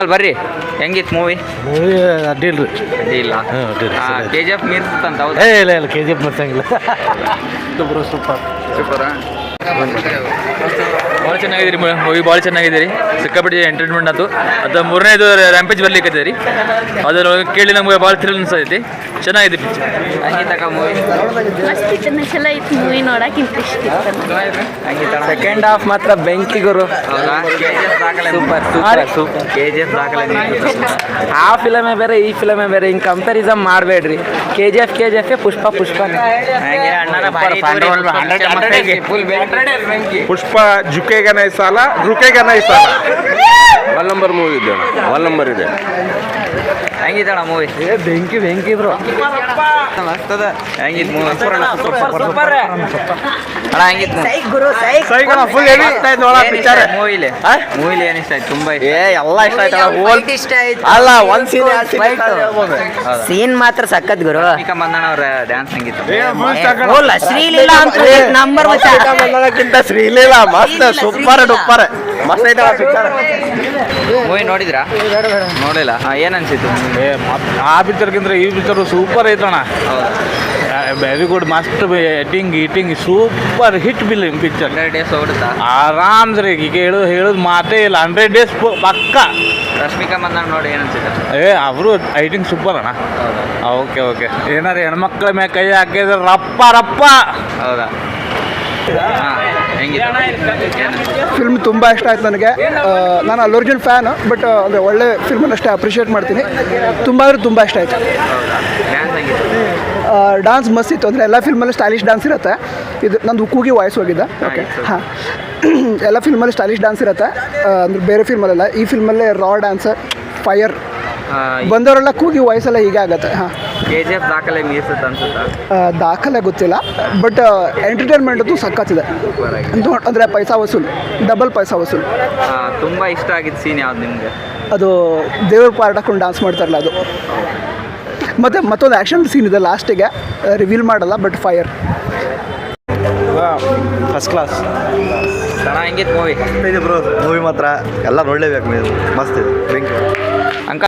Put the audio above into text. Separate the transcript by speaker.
Speaker 1: ಬರ್ರಿ, ಹೆಂಗಿತ್ತು ಮೂವಿ?
Speaker 2: ಅಡ್ಡಿಲ್ರಿ.
Speaker 1: ಇಲ್ಲ KGF ಮೀರ್ಸ್ತಂತ.
Speaker 2: ಇಲ್ಲ KGF ಮರ್ಸಂಗಿಲ್ಲ. ಸೂಪರ್
Speaker 3: ಭಾಳ ಚೆನ್ನಾಗಿದ್ದೀರಿ ಮೂವಿ, ಭಾಳ ಚೆನ್ನಾಗಿದ್ದೀರಿ. ಸಿಕ್ಕಾಪಟ್ಟೆ ಎಂಟರ್ಟೈನ್ಮೆಂಟ್ ಆಯ್ತು. ಅದು ಮೂರನೇದು ರ್ಯಾಂಪೇಜ್ ಬರ್ಲಿಕ್ಕೆ ರೀ, ಅದರೊಳಗೆ ಕೇಳಿ ನಮ್ಗೆ ಭಾಳ ಥ್ರಿಲ್ ಅನ್ಸೈತಿ. ಚೆನ್ನಾಗಿದೆ ಪಿಕ್ಚರ್.
Speaker 1: ಹಂಗಿತ್ತಕ ಮೂವಿ
Speaker 4: ಮಸ್ತ್ ಇತ್ತು, ಚಲೋ ಇತ್ತು ಮೂವಿ, ನೋಡಕ್ಕೆ ಇಂಟ್ರೆಸ್ಟ್ ಇತ್ತು.
Speaker 1: ಸೆಕೆಂಡ್ ಹಾಫ್ ಮಾತ್ರ ಬೆಂಕಿ ಗುರು. ಸೂಪರ್ KGF ದಾಖಲೆ.
Speaker 5: ಆ ಫಿಲಮೇ ಬೇರೆ, ಈ ಫಿಲಮೇ ಬೇರೆ, ಹಿಂಗೆ ಕಂಪ್ಯಾರಿಸನ್ ಮಾಡಬೇಡ್ರಿ. KGF ಪುಷ್ಪ
Speaker 2: ಪುಷ್ಪ ಜುಕೆಗ ನೈ ಸಾಲ ರುಕೆಗ ನೈ ಸಾಲ.
Speaker 6: ಒನ್ ನಂಬರ್ ಮೂವಿ ಇದೆ, ಒನ್ ನಂಬರ್ ಇದೆ.
Speaker 1: ಹೆಂಗಿತ್ತಣ ಮೂವಿ?
Speaker 5: ಬೆಂಕಿ ಬ್ರೋ.
Speaker 1: ಮಸ್ತದ. ಹೆಂಗಿತ್ತು ಮೂವಿ? ಅಣ್ಣ ಹೆಂಗಿತ್ತು ಮೂವಿಲಿ ಏನು ಇಷ್ಟ ಆಯ್ತು? ತುಂಬಾ
Speaker 5: ಎಲ್ಲ ಇಷ್ಟ ಆಯ್ತು. ಅಲ್ಲ ಒಂದ್ ಸೀನ್ ಮಾತ್ರ ಸಖತ್ ಗುರು.
Speaker 1: ರಶ್ಮಿಕಾ ಮಂದಣ್ಣ ಅವ್ರ ಡ್ಯಾನ್ಸ್ ಹೆಂಗಿತ್ತು?
Speaker 5: ಶ್ರೀಲೀಲಾ ಅಂತ ನಂಬರ್
Speaker 6: ಶ್ರೀಲೀಲಾ ಮಸ್ತ್, ಸೂಪರ್ ಡೂಪರ್ ಮಸ್ತ್ ಐತೆ ಪಿಕ್ಚರ್.
Speaker 1: ಮೂವಿ ನೋಡಿದ್ರಾ? ನೋಡಿಲ್ಲ. ಏನ್ ಅನ್ಸಿತ್ತು?
Speaker 2: ಆ ಪಿಕ್ಚರ್ಗಿಂತ ಈ ಪಿಕ್ಚರ್ ಸೂಪರ್ ಐತಣ್ಣ. ವೆರಿ ಗುಡ್, ಮಸ್ತ್ eating super hit film picture.
Speaker 1: 100 days ಓಡುತ್ತಾ?
Speaker 2: ಆರಾಮ್ಸ್ರಿ. ಈಗ ಹೇಳೋದು ಮಾತೇ ಇಲ್ಲ. 100 days ಪಕ್ಕ.
Speaker 1: ರಶ್ಮಿಕಾ ಮಂದಣ್ಣ ನೋಡಿ ಏನ್ ಅನ್ಸಿತ್ತು?
Speaker 2: ಅವರು ಐಟಿಂಗ್ ಸೂಪರ್ ಅಣ್ಣ. ಓಕೆ ಏನಾರ ಹೆಣ್ಮಕ್ಳ ಮೇಲೆ ಕೈ ಹಾಕಿದ್ರೆ ರಪ್ಪ.
Speaker 1: ಹೌದಾ?
Speaker 7: ಫಿಲ್ಮ್ ತುಂಬ ಇಷ್ಟ ಆಯ್ತು ನನಗೆ. ನಾನು ಅಲ್ಲು ಅರ್ಜುನ್ ಫ್ಯಾನ್, ಬಟ್ ಅಂದರೆ ಒಳ್ಳೆ ಫಿಲ್ಮನ್ನು ಅಷ್ಟೇ ಅಪ್ರಿಷಿಯೇಟ್ ಮಾಡ್ತೀನಿ. ತುಂಬ ಇಷ್ಟ ಆಯಿತು. ಡಾನ್ಸ್ ಮಸ್ತ್ ಇತ್ತು. ಅಂದರೆ ಎಲ್ಲ ಫಿಲ್ಮಲ್ಲಿ ಸ್ಟೈಲಿಶ್ ಡಾನ್ಸ್ ಇರುತ್ತೆ. ಇದು ನಂದು ಕೂಗಿ ವಾಯ್ಸ್ ಹೋಗಿದ್ದ. ಓಕೆ ಹಾಂ, ಎಲ್ಲ ಫಿಲ್ಮಲ್ಲಿ ಸ್ಟೈಲಿಶ್ ಡಾನ್ಸ್ ಇರುತ್ತೆ. ಅಂದರೆ ಬೇರೆ ಫಿಲ್ಮಲ್ಲೆಲ್ಲ. ಈ ಫಿಲ್ಮಲ್ಲೇ ರಾ ಡ್ಯಾನ್ಸ್, ಫೈರ್, ಬಂದವರೆಲ್ಲ ಕೂಗಿ ವಾಯ್ಸೆಲ್ಲ ಹೀಗೆ ಆಗುತ್ತೆ. ಹಾಂ,
Speaker 1: KGF ದಾಖಲೆ ಮೀರ್ಸುತ್ತೆ ಅನ್ಸುತ್ತಾ?
Speaker 7: ದಾಖಲೆ ಗೊತ್ತಿಲ್ಲ, ಬಟ್ ಎಂಟರ್ಟೈನ್ಮೆಂಟ್ ಅಂತೂ ಸಖತ್ತಿದೆ. ಅಂದರೆ ಪೈಸಾ ವಸೂಲ್, ಡಬಲ್ ಪೈಸಾ ವಸೂಲ್.
Speaker 1: ತುಂಬ ಇಷ್ಟ ಆಗಿದ್ದ ಸೀನ್ ಯಾವ್ದು ನಿಮಗೆ?
Speaker 7: ಅದು ದೇವ್ರ ಪಾರ್ಟ್ ಹಾಕೊಂಡು ಡಾನ್ಸ್ ಮಾಡ್ತಾರಲ್ಲ ಅದು. ಮತ್ತು ಮತ್ತೊಂದು ಆ್ಯಕ್ಷನ್ ಸೀನ್ ಇದೆ ಲಾಸ್ಟಿಗೆ, ರಿವೀಲ್ ಮಾಡಲ್ಲ, ಬಟ್ ಫೈರ್.
Speaker 6: First class.
Speaker 1: ಚೆನ್ನಾಗಿತ್ತು ಮೂವಿ.
Speaker 6: ಬ್ರೋ ಮೂವಿ ಮಾತ್ರ ಎಲ್ಲ ನೋಡಲೇಬೇಕು ನೀವು, ಮಸ್ತ್ ಇದೆ. Thank you.